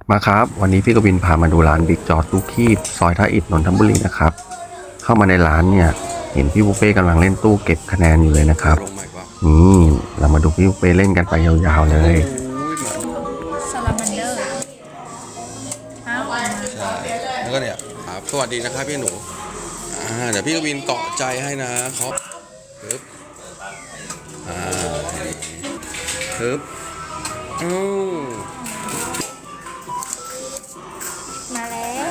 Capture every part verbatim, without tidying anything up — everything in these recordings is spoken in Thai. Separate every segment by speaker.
Speaker 1: มาครับวันนี้พี่กวินพามาดูร้านบิ๊กจอทุกคีบซอยท่าอิฐนนทบุรีนะครับเข้ามาในร้านเนี่ยเห็นพี่บุฟเฟ่กำลังเล่นตู้เก็บคะแนนอยู่เลยนะครับนี่เรามาดูพี่บุฟเฟ่เล่นกันไปยาวๆเลย
Speaker 2: ซาลามันเดอร์อ้าว
Speaker 3: ใช่แล้วก็เนี่ยครับสวัสดีนะครับพี่หนูอ่าเดี๋ยวพี่กวินเกาะใจให้นะเขาปึ๊บอ่าปึ๊บอือ
Speaker 2: มาแล้ว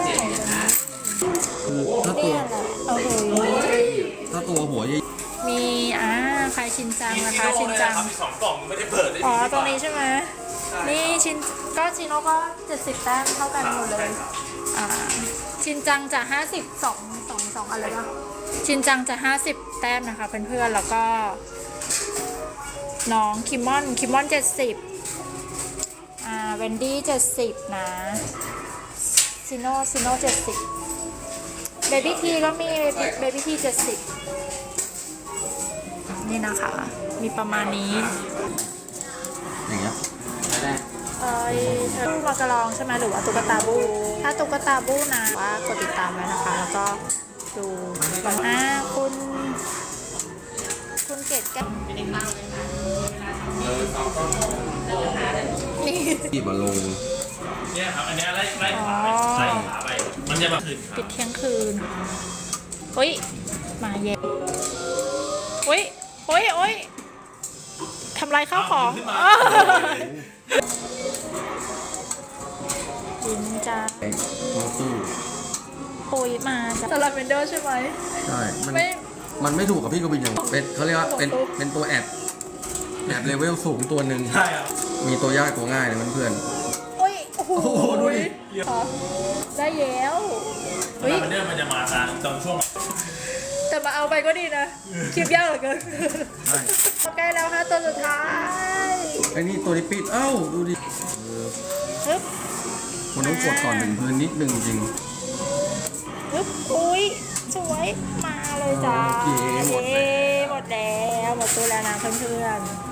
Speaker 3: ถ้าตัว
Speaker 2: โอ้โห
Speaker 3: ถ้าตัวหัวใหญ่
Speaker 2: มีอ่าใครชินจังนะคะชินจัง
Speaker 4: สองกล่องไม่ได้เปิดเลย
Speaker 2: อ๋อตรงนี้ใช่ไหมนี่ชินก็ชิโน่ก็เจ็ดสิบแต้มเท่ากันหมดเลยอ่าชินจังจะห้าสิบสองสองสองอะไรบ้างชินจังจะห้าสิบแต้มนะคะเพื่อนๆแล้วก็น้องคิมมอนคิมมอนเจ็ดสิบอ่าเวนดี้เจ็ดสิบนะซิโน่ซิโน่เจ็ดสิบเบบี้ทีก็มีเบบี้ทีเจ็ดสิบนี่นะคะมีประมาณนี้
Speaker 3: อย่างเงี้ย
Speaker 2: เอ้ยเธอมากระลองใช่ไหมหรือว่าตุ๊กตาบูถ้าตุ๊กตาบูนะว่ากดติดตามไว้นะคะแล้วก็ดูอ่าคุณคุณเกดแก้วนี่
Speaker 3: ที่มาลง
Speaker 4: เนี่ยครับอันนี้ไล่ไล่ขาไปไล่ขาไปมันจะมาคืน
Speaker 2: ปิดเที่ยงคืนเฮ้ยมาเย็นเฮ้ยเฮ้ยเฮ้ยทำลายข้าวของยิ้มจ้า
Speaker 3: มาตู้
Speaker 2: โอ้ยมาจ้าสลับเมนเดอร์ใช่ไหม
Speaker 3: ใช่มันมันไม่ถูกกับพี่กวินอย่างเป็นเขาเรียกว่าเป็นเป็นตัวแอบแอบเลเวลสูงตัวหนึ่ง
Speaker 4: ใช่ครับ
Speaker 3: มีตัวยากตัวง่ายเลยเพื่อน
Speaker 2: โอ้ยโอ้โหดูดิได้เย้ว
Speaker 4: เฮ้ยมันเนี่ยมันจะมาตอนตอนช่วง
Speaker 2: แต่มาเอาไปก็ดีนะคลิปยากเหลือเกินใกล้แล้วฮะตัวสุดท้าย
Speaker 3: ไอ้นี่ตัวนี้ปิดเอ้าดูดิ
Speaker 2: ฮึบ
Speaker 3: มันต้องกดก่อนหนึ่งพื้นนิดนึงจริง
Speaker 2: ฮึบอุ้ยสวยมาเลยจ้า
Speaker 3: หมดแล้ว
Speaker 2: หมดแล้วหมดตัวแล้วนะเพื่อนๆ